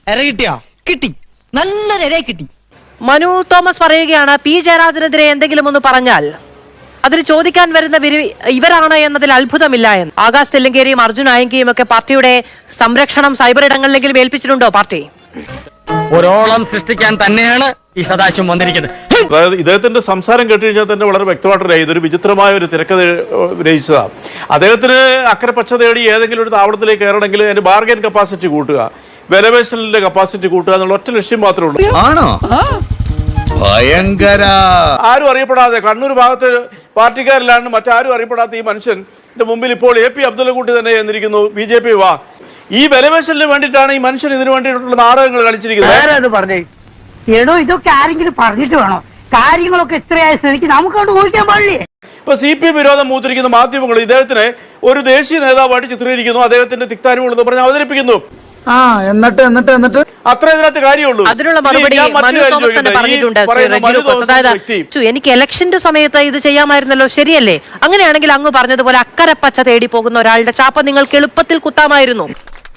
ഇര കിട്ടിയോ? കിട്ടി, നല്ലൊരു ഇര കിട്ടി. മനു തോമസ് പറയുകയാണ്, പി ജയരാജനെതിരെ എന്തെങ്കിലും ഒന്ന് പറഞ്ഞാൽ അതിന് ചോദിക്കാൻ വരുന്ന ഇവരാണ് എന്നതിൽ അത്ഭുതമില്ല എന്ന്. ആകാശ് തെല്ലങ്കേരിയും അർജുൻ ആയങ്കിയും ഒക്കെ പാർട്ടിയുടെ സംരക്ഷണം സൈബർ ഇടങ്ങളിലെങ്കിലും ഏൽപ്പിച്ചിട്ടുണ്ടോ പാർട്ടി? ഒരോളം സൃഷ്ടിക്കാൻ തന്നെയാണ് ഈ സദാശിവം വന്നിരിക്കുന്നത്. അതായത് ഇദ്ദേഹത്തിന്റെ സംസാരം കേട്ട് കഴിഞ്ഞാൽ തന്നെ വളരെ വ്യക്തമായിട്ട് ഇതൊരു വിചിത്രമായ ഒരു തിരക്കഥ രചിച്ചതാണ്. അദ്ദേഹത്തിന് അക്കരെ പച്ച തേടി ഏതെങ്കിലും ഒരു താവളത്തിലേക്ക് കയറണമെങ്കിൽ അതിന്റെ ബാർഗൈൻ കപ്പാസിറ്റി കൂട്ടുക, വിലപേശലിന്റെ കപ്പാസിറ്റി കൂട്ടുക എന്നുള്ള ഒറ്റ ലക്ഷ്യം മാത്രമേ ഉള്ളൂ. ആണോ? ഭയങ്കര. ആരും അറിയപ്പെടാതെ കണ്ണൂർ ഭാഗത്ത് പാർട്ടിക്കാരിലാണ് മറ്റാരും അറിയപ്പെടാത്ത ഈ മനുഷ്യന്റെ മുമ്പിൽ ഇപ്പോൾ AP അബ്ദുള്ളക്കുട്ടി തന്നെ എന്നിരിക്കുന്നു. BJP വാ, ഈ വിലപേശലിന് വേണ്ടിയിട്ടാണ് ഈ മനുഷ്യൻ ഇതിനു വേണ്ടിയിട്ടുള്ള നാടകങ്ങൾ കളിച്ചിരിക്കുന്നത്. എടോ, ഇതൊക്കെ ആരെങ്കിലും പറഞ്ഞിട്ട് വേണോ? കാര്യങ്ങളൊക്കെ ഇത്രയായ സ്ഥിതിക്ക് നമുക്കോട്ട് ഊഹിക്കാൻ പാടില്ലേ? ഇപ്പൊ CPM വിരോധം മൂത്തിരിക്കുന്ന മാധ്യമങ്ങൾ ഇദ്ദേഹത്തിനെ ഒരു ദേശീയ നേതാവായിട്ട് ചിത്രീകരിക്കുന്നു, അദ്ദേഹത്തിന്റെ തിക്താനുകൾ എന്ന് പറഞ്ഞ് അവതരിപ്പിക്കുന്നു. എന്നിട്ട് അത്ര ഇതിനകത്ത് കാര്യമുള്ളൂ. അതിനുള്ള മറുപടി മനു തോമസ് തന്നെ പറഞ്ഞിട്ടുണ്ട്. അതായത് എനിക്ക് ഇലക്ഷന്റെ സമയത്ത് ഇത് ചെയ്യാമായിരുന്നല്ലോ, ശരിയല്ലേ? അങ്ങനെയാണെങ്കിൽ അങ്ങ് പറഞ്ഞതുപോലെ അക്കരെ പച്ച തേടി പോകുന്ന ഒരാളുടെ ചാപ്പ നിങ്ങൾക്ക് എളുപ്പത്തിൽ കുത്താമായിരുന്നു.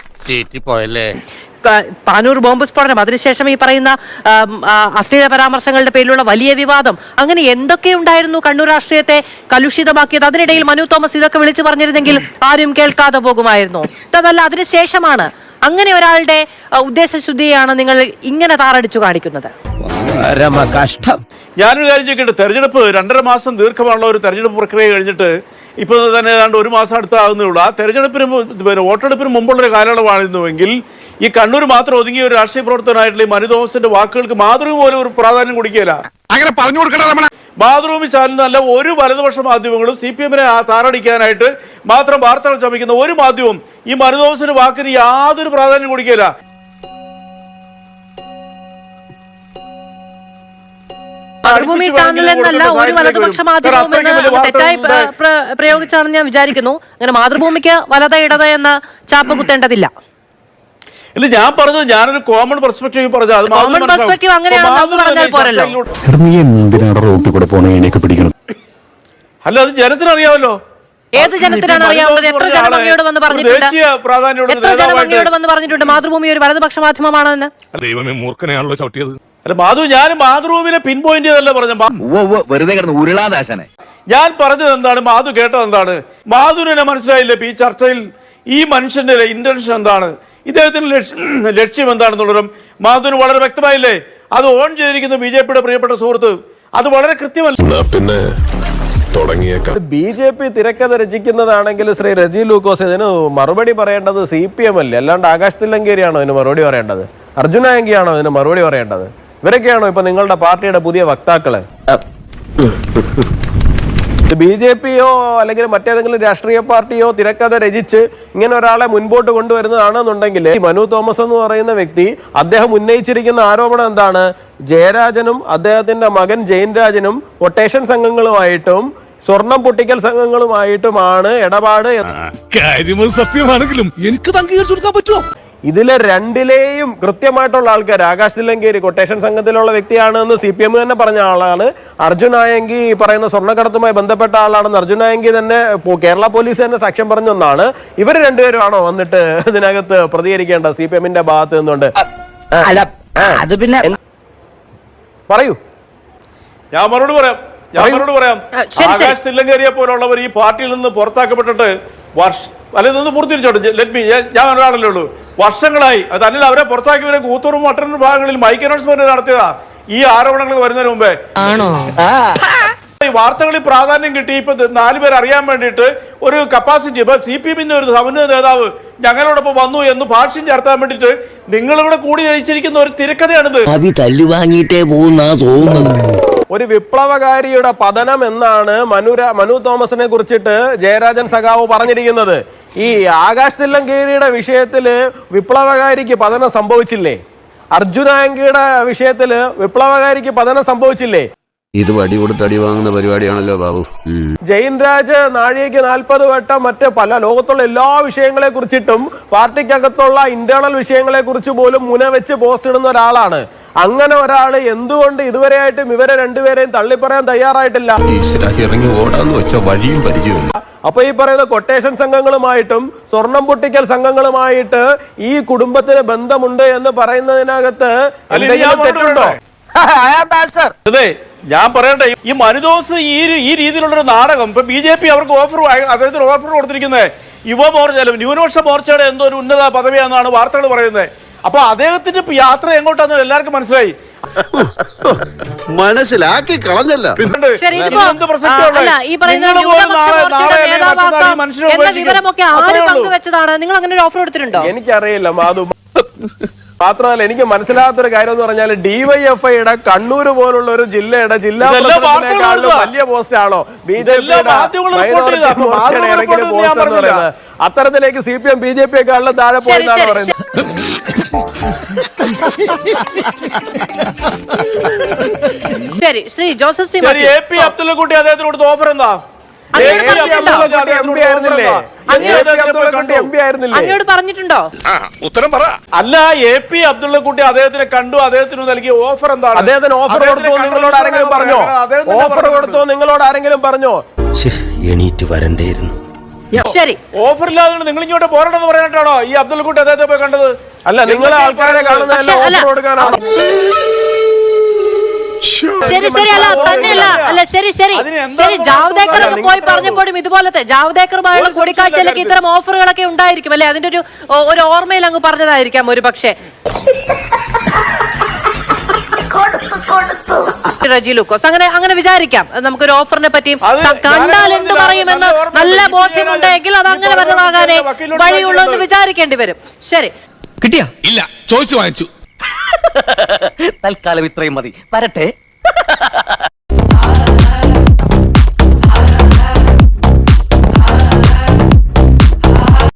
താനൂർ ബോംബ് സ്ഫോടനം, അതിനുശേഷം ഈ പറയുന്ന അശ്ലീല പരാമർശങ്ങളുടെ പേരിലുള്ള വലിയ വിവാദം, അങ്ങനെ എന്തൊക്കെ ഉണ്ടായിരുന്നു കണ്ണൂർ രാഷ്ട്രീയത്തെ കലുഷിതമാക്കിയത്. അതിനിടയിൽ മനു തോമസ് ഇതൊക്കെ വിളിച്ചു പറഞ്ഞിരുന്നെങ്കിൽ ആരും കേൾക്കാതെ പോകുമായിരുന്നു. അതല്ല, അതിനുശേഷമാണ് അങ്ങനെ ഒരാളുടെ ഉദ്ദേശശുദ്ധിയാണ് നിങ്ങൾ ഇങ്ങനെ താറടിച്ചു കാണിക്കുന്നത്. ഞാനൊരു കാര്യം ചോദിക്കട്ടെ, തെരഞ്ഞെടുപ്പ് 2.5 മാസം ദീർഘമാണുള്ള ഒരു തെരഞ്ഞെടുപ്പ് പ്രക്രിയ കഴിഞ്ഞിട്ട് ഇപ്പോൾ തന്നെ ഏതാണ്ട് 1 മാസം അടുത്താകുന്നേ ഉള്ളൂ. ആ തെരഞ്ഞെടുപ്പിന് വോട്ടെടുപ്പിന് മുമ്പുള്ളൊരു കാലയളവായിരുന്നുവെങ്കിൽ ഈ കണ്ണൂർ മാത്രം ഒതുങ്ങിയ ഒരു രാഷ്ട്രീയ പ്രവർത്തനമായിട്ടുള്ള ഈ മനു തോമസിന്റെ വാക്കുകൾക്ക് മാതൃഭൂമി പോലും ഒരു പ്രാധാന്യം കൊടുക്കുകയില്ല. അങ്ങനെ പറഞ്ഞു കൊടുക്കണം. മാതൃഭൂമി ചാനലിനല്ല ഒരു വലതുപക്ഷ മാധ്യമങ്ങളും CPM-നെ താറടിക്കാനായിട്ട് മാത്രം വാർത്തകൾ ചമയ്ക്കുന്ന ഒരു മാധ്യമവും ഈ മനു തോമസിന്റെ വാക്കിന് യാതൊരു പ്രാധാന്യം കൊടുക്കുകയില്ല. മാതൃഭൂമി ചാനൽ എന്നല്ല ഒരു വലതുപക്ഷ മാധ്യമം എന്ന് തെറ്റായി പ്രയോഗിച്ചാണെന്ന് ഞാൻ വിചാരിക്കുന്നു. അങ്ങനെ മാതൃഭൂമിക്ക് വലത ഇടത എന്ന ചാപ്പ കുത്തേണ്ടതില്ല. ഇല്ല, ഞാൻ പറഞ്ഞത് ഞാനൊരു കോമൺ പെർസ്പെക്റ്റീവ് പറഞ്ഞു. അല്ല, അത് ജനത്തിനറിയാമല്ലോ. ഏത് ജനത്തിനാണ് അറിയാവുന്നത്? എത്ര ജനമങ്ങയോട് വന്ന് പറഞ്ഞിട്ടുണ്ട് മാതൃഭൂമി ഒരു വലതുപക്ഷ മാധ്യമമാണെന്ന്? ദൈവമേ, മൂർഖനെയാണല്ലോ ചവിട്ടിയത്. അല്ല മാധു, ഞാൻ മാതൃഭൂമിനെ പിൻ പോയിന്റ് ചെയ്തല്ല പറഞ്ഞത്. ഞാൻ പറഞ്ഞത് എന്താണ്, മാധു കേട്ടത് എന്താണ്? മാധുവിനെ മനസ്സിലായില്ലേ ഈ ചർച്ചയിൽ ഈ മനുഷ്യന്റെ ഇന്റൻഷൻ എന്താണ്, ഇദ്ദേഹത്തിന്റെ ലക്ഷ്യം എന്താണെന്നുള്ളതും മാധുവിന് വളരെ വ്യക്തമായില്ലേ? അത് ഓൺ ചെയ്തിരിക്കുന്ന BJP-യുടെ പ്രിയപ്പെട്ട സുഹൃത്ത്, അത് വളരെ കൃത്യമല്ല. പിന്നെ BJP തിരക്കഥ രചിക്കുന്നതാണെങ്കിൽ ശ്രീ റജി ലൂക്കോസ് ഇതിന് മറുപടി പറയേണ്ടത് CPM അല്ലേ, അല്ലാണ്ട് ആകാശ് തില്ലങ്കേരിയാണോ ഇതിന് മറുപടി പറയേണ്ടത്? അർജുൻ ആയങ്കിയാണോ ഇതിന് മറുപടി പറയേണ്ടത്? ഇവരൊക്കെയാണോ ഇപ്പൊ നിങ്ങളുടെ പാർട്ടിയുടെ പുതിയ വക്താക്കള്? BJP-യോ അല്ലെങ്കിൽ മറ്റേതെങ്കിലും രാഷ്ട്രീയ പാർട്ടിയോ തിരക്കഥ രചിച്ച് ഇങ്ങനെ ഒരാളെ മുൻപോട്ട് കൊണ്ടുവരുന്നതാണെന്നുണ്ടെങ്കിൽ മനു തോമസ് എന്ന് പറയുന്ന വ്യക്തി അദ്ദേഹം ഉന്നയിച്ചിരിക്കുന്ന ആരോപണം എന്താണ്? ജയരാജനും അദ്ദേഹത്തിന്റെ മകൻ ജെയിൻ രാജനും കൊട്ടേഷൻ സംഘങ്ങളുമായിട്ടും സ്വർണം പൊട്ടിക്കൽ സംഘങ്ങളുമായിട്ടുമാണ് ഇടപാട്. സത്യമാണെങ്കിലും എനിക്ക് അംഗീകരിച്ചു കൊടുക്കാൻ പറ്റുമോ? ഇതിലെ രണ്ടിലെയും കൃത്യമായിട്ടുള്ള ആൾക്കാർ ആകാശ് തില്ലങ്കേരി കൊട്ടേഷൻ സംഘത്തിലുള്ള വ്യക്തിയാണ് എന്ന് CPM തന്നെ പറഞ്ഞ ആളാണ്. അർജുൻ ആയങ്കി പറയുന്ന സ്വർണ്ണക്കടത്തുമായി ബന്ധപ്പെട്ട ആളാണെന്ന് അർജുൻ ആയങ്കി തന്നെ കേരള പോലീസ് തന്നെ സാക്ഷ്യം പറഞ്ഞ ഒന്നാണ്. ഇവർ രണ്ടുപേരുമാണോ വന്നിട്ട് ഇതിനകത്ത് പ്രതികരിക്കേണ്ട CPM-ന്റെ ഭാഗത്ത് നിന്നുകൊണ്ട്? അത് പിന്നെ പറയൂ, ഞാൻ മറുപടി പറയാം. ആകാശ് തില്ലങ്കേരിയെ പോലുള്ളവർ ഈ പാർട്ടിയിൽ നിന്ന് പുറത്താക്കപ്പെട്ടിട്ട് അല്ലെ പൂർത്തിരിച്ചോട്ടെ, ഞാൻ ഒരാളല്ലേ ഉള്ളൂ. വർഷങ്ങളായി. അത് അല്ലെങ്കിൽ അവരെ പുറത്താക്കിയവരെ കൂത്തൂറും മട്ടന്നൂർ ഭാഗങ്ങളിൽ മൈക്ക് അനൗൺസ്മെന്റ് നടത്തിയതാ ഈ ആരോപണങ്ങൾ വരുന്നതിന് മുമ്പേ. ഈ വാർത്തകളിൽ പ്രാധാന്യം കിട്ടി. ഇപ്പൊ 4 പേർ അറിയാൻ വേണ്ടിയിട്ട് ഒരു കപ്പാസിറ്റി, ഇപ്പൊ CPM-ന്റെ ഒരു സമന്വയ നേതാവ് ഞങ്ങളോടൊപ്പം വന്നു എന്ന് ഭാഷ്യം ചേർത്താൻ വേണ്ടിയിട്ട് നിങ്ങളിവിടെ കൂടി ജയിച്ചിരിക്കുന്ന ഒരു തിരക്കഥയാണിത്. ഒരു വിപ്ലവകാരിയുടെ പതനം എന്നാണ് മനു തോമസിനെ കുറിച്ചിട്ട് ജയരാജൻ സഖാവ് പറഞ്ഞിരിക്കുന്നത്. ഈ ആകാശ് തില്ലങ്കേരിയുടെ വിഷയത്തില് വിപ്ലവകാരിക്ക് പതനം സംഭവിച്ചില്ലേ? അർജുൻ ആയങ്കിയുടെ വിഷയത്തില് വിപ്ലവകാരിക്ക് പതനം സംഭവിച്ചില്ലേ? ഇത് വടി കൊടുത്ത് അടി വാങ്ങുന്ന പരിപാടിയാണല്ലോ ബാബു. ജെയിൻ രാജ് നാഴികയ്ക്ക് 40 വട്ടം മറ്റ് പല ലോകത്തുള്ള എല്ലാ വിഷയങ്ങളെ കുറിച്ചിട്ടും പാർട്ടിക്കകത്തുള്ള ഇന്റേണൽ വിഷയങ്ങളെ കുറിച്ച് പോലും മുനവെച്ച് പോസ്റ്റ് ഇടുന്ന ഒരാളാണ്. അങ്ങനെ ഒരാള് എന്തുകൊണ്ട് ഇതുവരെയായിട്ടും ഇവരെ രണ്ടുപേരെയും തള്ളിപ്പറയാൻ തയ്യാറായിട്ടില്ല? ഇറങ്ങി ഓടാന്ന് വെച്ച വഴിയും പരിചയമില്ല. അപ്പൊ ഈ പറയുന്ന കൊട്ടേഷൻ സംഘങ്ങളുമായിട്ടും സ്വർണം പൊട്ടിക്കൽ സംഘങ്ങളുമായിട്ട് ഈ കുടുംബത്തിന് ബന്ധമുണ്ട് എന്ന് പറയുന്നതിനകത്ത് എന്തെങ്കിലും തെറ്റുണ്ടോ? അതെ, ഞാൻ പറയട്ടെ, ഈ മനുദോസ് ഈ രീതിയിലുള്ളൊരു നാടകം ഇപ്പൊ BJP അവർക്ക് അദ്ദേഹത്തിന് ഓഫർ കൊടുത്തിരിക്കുന്നത് യുവമോർച്ച ന്യൂനപക്ഷ മോർച്ചയുടെ എന്തോ ഒരു ഉന്നത പദവിയാണെന്നാണ് വാർത്തകൾ പറയുന്നത്. അപ്പൊ അദ്ദേഹത്തിന്റെ യാത്ര എങ്ങോട്ടാന്ന് എല്ലാവർക്കും മനസ്സിലായി. മനസ്സിലാക്കി കളഞ്ഞല്ല. ശരി, ഇതിപ്പോ അല്ല, ഈ പറയുന്ന ന്യൂനപക്ഷ മോർച്ചയുടെ നേതാവാക്കാം എന്ന വിവരമൊക്കെ ആര് പങ്കുവെച്ചതാണ്? നിങ്ങൾ അങ്ങനെ ഒരു ഓഫർ കൊടുത്തിട്ടുണ്ടോ? എനിക്കറിയില്ല മാധു. മാത്രമല്ല, എനിക്ക് മനസ്സിലാകാത്തൊരു കാര്യം എന്ന് പറഞ്ഞാൽ DYFIയുടെ കണ്ണൂർ പോലുള്ള ഒരു ജില്ലയുടെ ജില്ലാ പ്രസിഡന്റിനേക്കാളും വലിയ പോസ്റ്റ് ആണോ പറയുന്നത്? അത്തരത്തിലേക്ക് CPM BJP-യെക്കാളും താഴെ പോയെന്നാണ് പറയുന്നത്. ശരി, ശ്രീ ജോസഫ് സി AP അബ്ദുള്ളക്കുട്ടി അദ്ദേഹത്തിന് കൊടുത്ത ഓഫർ എന്താ? അങ്ങോട്ട് പറഞ്ഞിട്ടുണ്ടോ? ഉത്തരം പറ. അല്ല, AP അബ്ദുള്ളക്കുട്ടി അദ്ദേഹത്തിനെ കണ്ടു, അദ്ദേഹത്തിന് നൽകിയ ഓഫർ എന്താണ്? അദ്ദേഹത്തിന് ഓഫർ കൊടുത്തോ നിങ്ങളോട് ആരെങ്കിലും പറഞ്ഞോ? ഓഫർ കൊടുത്തോ നിങ്ങളോട് ആരെങ്കിലും പറഞ്ഞോ? എണീറ്റ് വരണ്ടേയിരുന്നു. ശരി, ഓഫർ ഇല്ലാതെ നിങ്ങൾ ഇങ്ങോട്ട് പോരണമെന്ന് പറയാനായിട്ടാണോ ഈ അബ്ദുള്ളക്കുട്ടി അദ്ദേഹത്തെ പോയി കണ്ടത്? അല്ല, നിങ്ങളെ ആൾക്കാരെ കാണുന്നതല്ല ഓഫർ കൊടുക്കാനാണ്. ശരി ശരി അല്ല തന്നെയല്ല അല്ല ശരി ശരി ശരി ജാവ്ദേക്കറൊക്കെ പോയി പറഞ്ഞപ്പോഴും ഇതുപോലത്തെ ജാവ്ദേക്കറുമായുള്ള കൂടിക്കാഴ്ചയിലൊക്കെ ഇത്തരം ഓഫറുകളൊക്കെ ഉണ്ടായിരിക്കും അല്ലെ? അതിന്റെ ഒരു ഓർമ്മയിൽ അങ്ങ് പറഞ്ഞതായിരിക്കാം ഒരു പക്ഷേ. റജി ലൂക്കോസ് അങ്ങനെ വിചാരിക്കാം. നമുക്കൊരു ഓഫറിനെ പറ്റിയും കണ്ടാൽ എന്ത് പറയുമെന്ന് നല്ല ബോധ്യമുണ്ടെങ്കിൽ അത് അങ്ങനെ വന്നതാകാനേ വഴിയുള്ളൂ എന്ന് വിചാരിക്കേണ്ടി വരും. ശരി, കിട്ടിയാ? ഇല്ല, ചോദിച്ചു വാങ്ങിച്ചു. തൽക്കാലം ഇത്രയും മതി. വരട്ടെ.